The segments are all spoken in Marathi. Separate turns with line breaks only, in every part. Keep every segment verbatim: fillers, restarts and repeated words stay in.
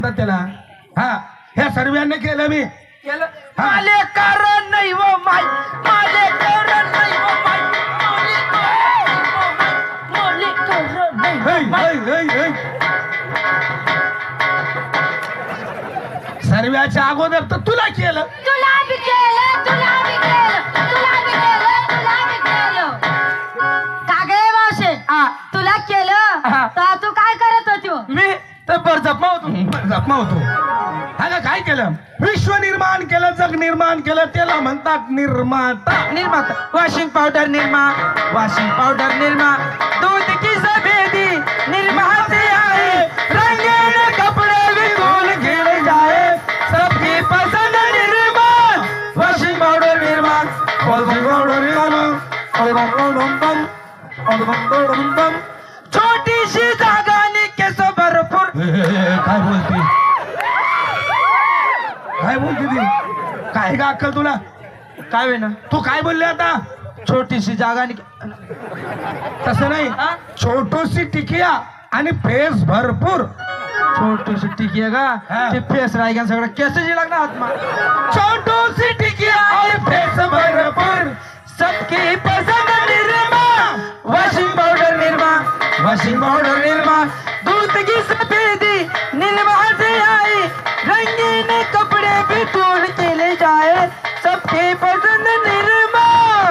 त्याला हा ह्या सर्वांनी केलं मी
केलं माले कारण नाही वो माय माले कारण नाही वो माय माले कारण नाही वो माय
सर्व्याच्या अगोदर तर तुला केलं
तुला बी केलं तुला बी केलं तुला बी केलं तुला बी केलं का गे मावशे
हा.
तुला केलं
हा.
तर तू काय करत होती हो?
मी तर बरजप्पा होतो
जखमा होतो हा काय केलं विश्व निर्माण केलं जग निर्माण केलं त्याला म्हणतात निर्माता
निर्माता washing powder Nirma washing powder Nirma दूध की सफेदी निर्मा से आए रंगीन कपड़े भी धुल गिर जाए सबकी पसंद Nirma washing powder Nirma washing powder Nirma छोटी सी जागा नि केस भरपूर
ए, ए, ए, काय बोलते काय बोलते ती काय का अक्कल तुला
काय होईना
तू काय बोलले आता
छोटीशी जागा नि
तसं नाही
हा?
छोटूशी टिकिया आणि फेस भरपूर
छोटीशी टिकी आहे का
हा.
ते फेस राहिगा सगळं केस जी लागणार आत्मा
छोटूशी टिकिया आणि फेस भरपूर
सबकी पसंद Nirma washing powder Nirma washing powder Nirma दूध की सफेदी निर्मा से आई रंगीन कपड़े भी धुल के ले जाए सबकी पसंद निर्मा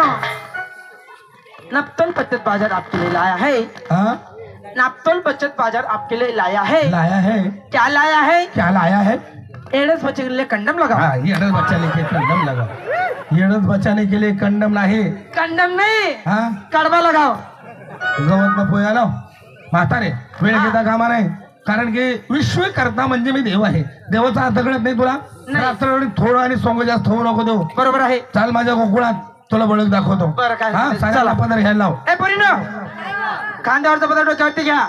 नापतोल बचत बाजार आपके लिए लाया है
हाँ?
नापतोल बचत बाजार आपके लिए लाया है
लाया है
क्या लाया है
क्या लाया है
एड्स बच्चे के लिए कंडम लगा
हाँ येडस बचाने के कंडम लगा येडस बचाने के लिए कंडम नाही
कंडम नहीं
हाँ
कडवा लगाओ
गवत न पोया लाव म्हातारे वेळ घेता कामा नाही कारण की विश्वकर्ता म्हणजे मी देव आहे देवाचा अर्थ कळत नाही तुला
नाही.
रात्र थोडं आणि सोंग जास्त होऊ नको देऊ
बरोबर आहे
चाल माझ्या गोकुळात तुला बळक दाखवतो
बरं, काय
हा
चला.
सगळ्याला पदर घ्यायला लाव
ए पोरीनो खांद्यावरचा पदार्थ डोक्यावरती घ्या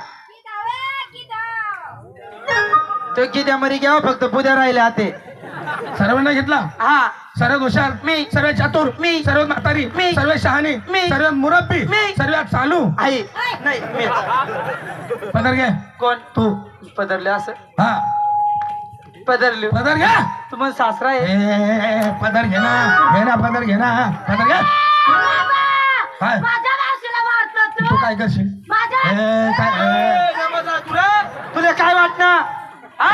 तो किती मरी घ्या फक्त पुद्या राहिले आते
सर्वांना घेतला
हा
सर्वात हुशार
मी.
सर्वात चातुर
मी.
सर्वात म्हातारी
मी.
सर्वात शहाणी
मी.
सर्वात मुरब्बी
मी.
सर्वात चालू
आई नाही मी
पदर घे
कोण
तू
पदरले असं
हा
पदरले
पदर घ्या
तुम्हाला सासरा
ए,
आहे
ए, ए, पदर घे ना घे ना पदर घे ना पदर घे काय
माझ्या मावशीला मारतो
तू
तू
काय करशील
माझ्या
ए, काय ए,
तुला तुला काय वाटणार हा
ए,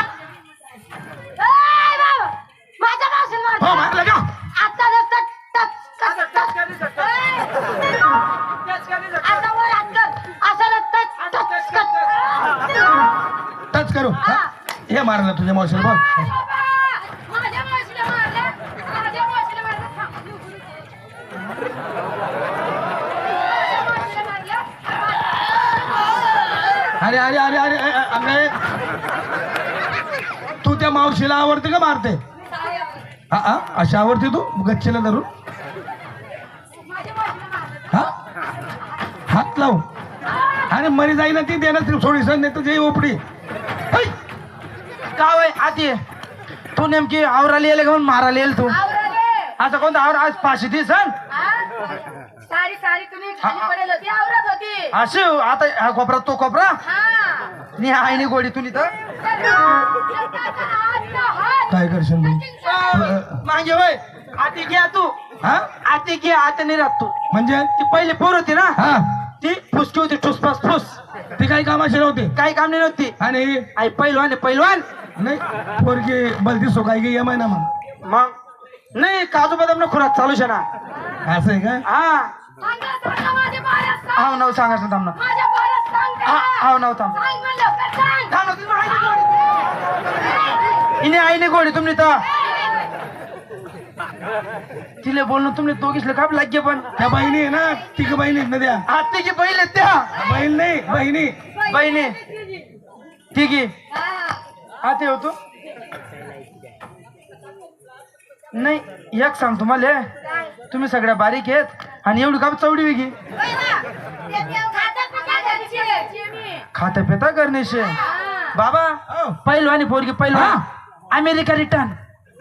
बाबा, माझ्या मावशीला
हो
मारतो
मारलं का
आता नुसतं टच, टच, टच. ए, आता वर हात कर. असं नुसतं टच, टच.
टच करू हा? हे मारलं तुझ्या मावशीला बोल
बाबा, माझ्या मावशीला मारलं. माझ्या मावशीला मारलं. थांब. माझ्या मावशीला मारलं.
अरे अरे अरे अरे अरे, अरे तू त्या मावशीला आवडते का मारते हा हा अशा आवडते तू गच्चीला धरून
माझ्या मावशीला मारलं.
हा हात लाव आणि मरी जाईना ती देणार सोडीस नाही तर जे ओपडी है.
गाव आहे आधी तू नेमकी आवराला येईल घेऊन मारायला येईल तू
आवरले.
असं कोणतं आवर आज पाचशे ती सण
हा? सारी सारी तुम्ही खाली पडेल होती आवरत होती
असे आता हा कोपरा तो कोपरा
हा
नि आईने गोडी तुली तर
काय करशील तू
मागे होय आती घ्या तू
हा
आती घे आता नाही राहत तू
म्हणजे
ती पहिले पोर होती ना
हा
ती फुसकी होती ठुसफास फुस
ती काही कामाची नव्हती
काही काम नाही नव्हती
आणि
आई पैलवान आहे पैलवान
नाही पोरगी बलती सोकाय की यमाय ना मग
मग नाही काजू बदाम ना खुराक चालू शे ना
असं आहे का
हा
माझ्या बाळात
हाव नाव सांगायचं थांब ना
माझ्या बाळात सांग
हा हाव नाव थांब
सांग मला लवकर सांग
थांब ना, तुम्ही आईने गोडी हिने आईने गोडी तुम्ही तर तिले बोलणं तुम्ही दोघीसले काय लागे पण
त्या बहिणी आहे ना तिघ बहिणी आहेत ना त्या
आते की पहिले त्या
बहीण नाही बहिणी
बहिणी ठीक आहे
हा.
आते होतो नाही एक सांग तुम्हाला तुम्ही सगळ्या बारीक आहेत आणि एवढी का चवडी वेगळी
होय ना? ते देव खातात ना काय घरचे? चिमी.
खाता पिता करण्याशे
हा.
बाबा
हो.
पहिलवानी पोरगी पहिलवान अमेरिका रिटर्न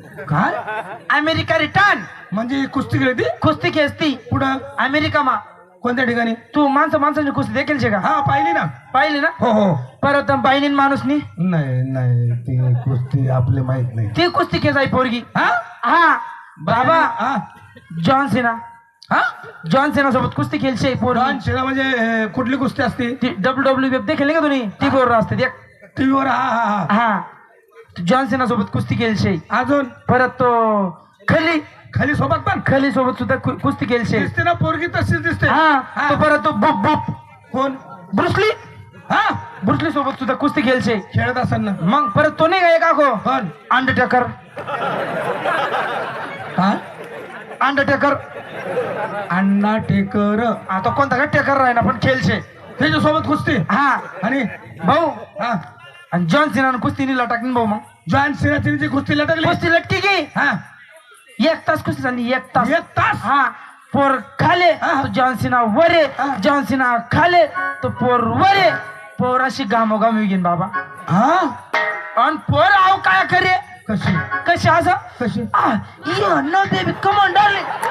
काय
अमेरिका रिटर्न
म्हणजे कुस्ती खेळती
कुस्ती खेचती
पुढं
अमेरिका मा
कोणत्या ठिकाणी?
तू माणसं माणसांची कुस्ती देखील शे का?
हा पाहिली ना.
पाहिली ना?
हो हो.
परत बाईनी माणूसनी
नाही नाही ती कुस्ती आपले माहित नाही.
ती कुस्ती केस आहे पोरगी.
हा
हा बाबा
हा
जॉन सिना.
हा
जॉन सिना सोबत कुस्ती खेळशे पोरगी.
जॉन सिना म्हणजे अं, कुठली कुस्ती असते?
ती डब्ल्यू डब्ल्यू एफ देखील का तुम्ही? टी वर असते देख.
टीव्हीवर. हा हा हा.
हा जॉन सिना सोबत कुस्ती खेळशे.
अजून
परत तो खली
खाली सोबत पण
खली सोबत सुद्धा कु- कुस्ती खेळशे.
दिसते ना पोरगी तशीच दिसते.
हा
हा.
तो परत तो बुप बुप
कोण?
ब्रुसली.
हा
ब्रुसली सोबत सुद्धा कुस्ती खेळशे.
खेळत असेल ना.
मग परत तो नाही का एक आखो
कोण?
अंडरटेकर.
हा
अंडरटेकर
अण्णा टेकर.
आता कोणता का टेकर राही ना पण खेळशे.
त्याच्या सोबत कुस्ती.
हा
आणि
भाऊ
हा
आणि जॉन सिनानं कुस्ती निला टाकली भाऊ. मग
जॉन सिना तिने कुस्ती लटकली.
कुस्ती लटकी की
हा
एक तास कुस्ती झाली. एक तास.
एक तास.
हा पोर खाले
हा.
तो जॉन सिना वरे.
हा.
जॉन सिना खाले तो पोर वरे. पोर अशी गामोगाम घेईन बाबा.
हा
आणि पोर आव काय करे
कशी
कशी असं
कशी
you know baby come on darling.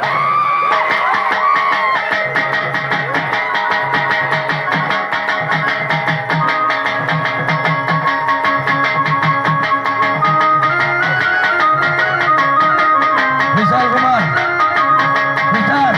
Vishal Kumar Vishal.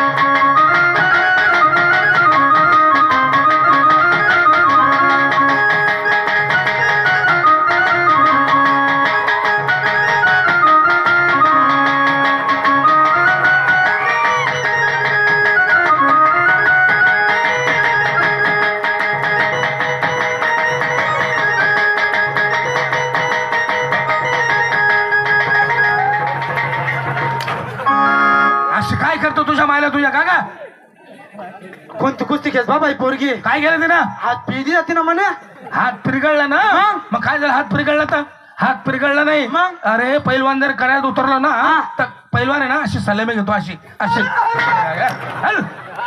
अशी काय करतो तुझ्या मायला तुझ्या का का?
कोणती कुस्ती खेळ बाबा ही पोरगी.
काय केलं ते ना?
हात पिळदी जाते ना म्हणे.
हात पिरगळला ना.
मग?
मग काय झालं? हात पिरगळला तर हात पिरगळला नाही.
मग?
अरे पैलवान जर करायला उतरला ना
हा.
तर पैलवान आहे ना अशी सलामी घेतो अशी अशी. हल.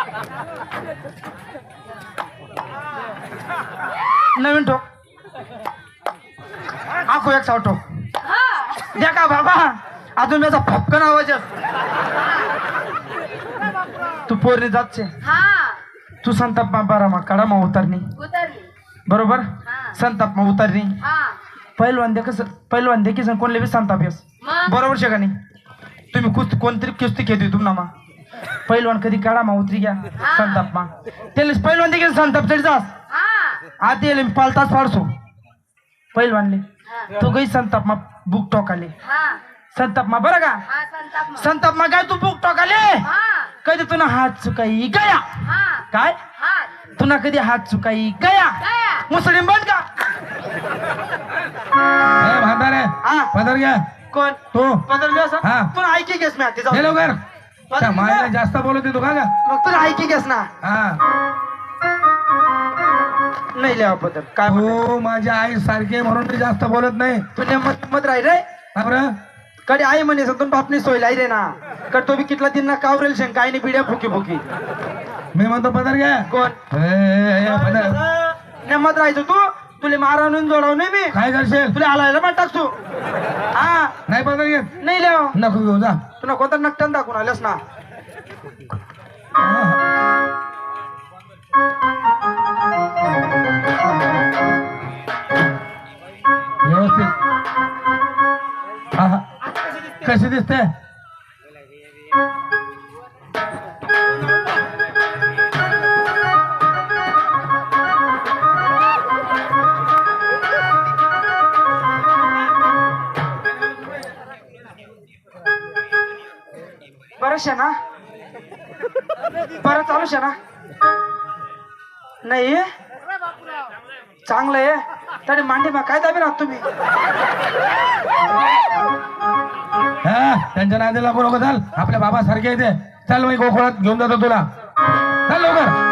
नवीन ठोक आखो एक सावटो
हा
द्या का बाबा. अजून त्याचा फपकन आवाज आहे. तू पोरणी जातचे.
हा
तू संताप मा बारा मा काढा मा उतरणी
उतरली.
बरोबर.
हा.
संताप मा उतरणी
हा
पहिलवान दे कसं पहिलवान दे किसन कोणले बी संताप येस.
मग
बरोबर शे का नाही? तुम्ही कुस्ती कोणतरी कुस्ती खेळतोय तुम ना मा पहिलवान कधी काढा मा उतरी घ्या
हा.
संताप मा त्याला पहिलवान दे संताप चढ जास
हा
आधी येले मी पालताच फाडसो पहिलवानले.
हा
तो गई संताप मा बुक टोकाले.
हा
संताप मा बरं का?
हा संताप मग.
संताप मा काय तू बुक टोकाले
हा
कधी तुला हात चुकाई गया
हा
काय
हात
तुला कधी हात चुकाई गया
गया.
मुसलिम बन का?
ए, म्हातारे
हा
पदर घ्या.
कोण
तू
बदललो असं
हा.
तुला ऐकी घेस मी आधी
हे
जाऊ.
लवकर.
पदर
त्या मायला
घे.
जास्त बोलत तू का गा?
मग तुला ऐकी घेस ना.
हा
नाही लिहा बदल काय म्हणतो?
हो माझ्या आई सारखे म्हणून मी जास्त बोलत नाही.
तू नेमत मत राही रे
का बरं?
कडे आई म्हणे तुम बापनी सोय लाई रे ना कड तो बी कितला दिन ना कावरेल शेंग काय नाही बिड्या फुकी फुकी.
मी म्हणतो पदर घ्या.
कोण
ए, ए, ए, पदर.
नेमत राहायचो तू तुले मारवून जोडाव नाही मी
काय करशील?
तुला हलायला पण टाकतो. हा
नाही पदर घेत
नाही लिहा
नको घेऊ जा.
तुला कोणता नकटन दाखवून आल्यास ना.
व्यवस्थित. हा, हा. कशी दिसते?
बरं शे ना बरं चालू शे ना. नाही चांगलं आहे तरी मांडी मा काय दाबी राहत तुम्ही.
हा त्यांच्या नादी लागू नको. चाल आपल्या बाबा सारखे येते. चल मी गोकुळात घेऊन जातो तुला. चल लवकर.